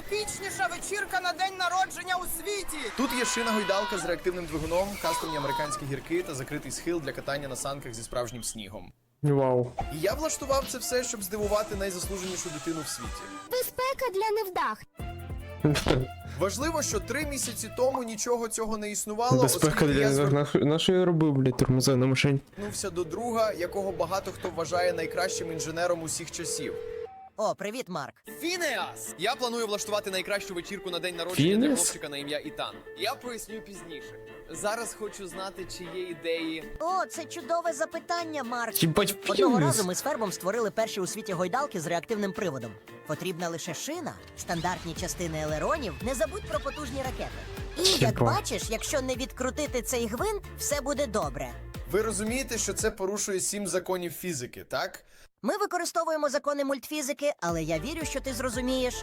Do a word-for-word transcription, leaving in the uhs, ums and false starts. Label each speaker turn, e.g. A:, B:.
A: найепічніша вечірка на день народження у світі.
B: Тут є шина-гойдалка з реактивним двигуном, кастомні американські гірки та закритий схил для катання на санках зі справжнім снігом.
C: Вау.
B: І я влаштував це все, щоб здивувати найзаслуженішу дитину в світі.
D: Безпека для невдах.
B: Важливо, що три місяці тому нічого цього не існувало,
C: Безпека
B: оскільки я
C: для на, на що я робив, блядь, тормози на машині.
B: звернувся до друга, якого багато хто вважає найкращим інженером усіх часів.
E: О, привіт, Марк.
B: Фінеас! Я планую влаштувати найкращу вечірку на день народження для
C: Фінес?
B: хлопчика на ім'я Ітан. Я поясню пізніше. Зараз хочу знати, чи є ідеї.
E: О, це чудове запитання, Марк.
C: Їбать,
E: Одного
C: фінес.
E: разу ми з Фербом створили перші у світі гойдалки з реактивним приводом. Потрібна лише шина, стандартні частини елеронів, не забудь про потужні ракети. І, як
C: Єба.
E: бачиш, якщо не відкрутити цей гвинт, все буде добре.
B: Ви розумієте, що це порушує сім законів фізики, так?
E: Ми використовуємо закони мультфізики, але я вірю, що ти зрозумієш,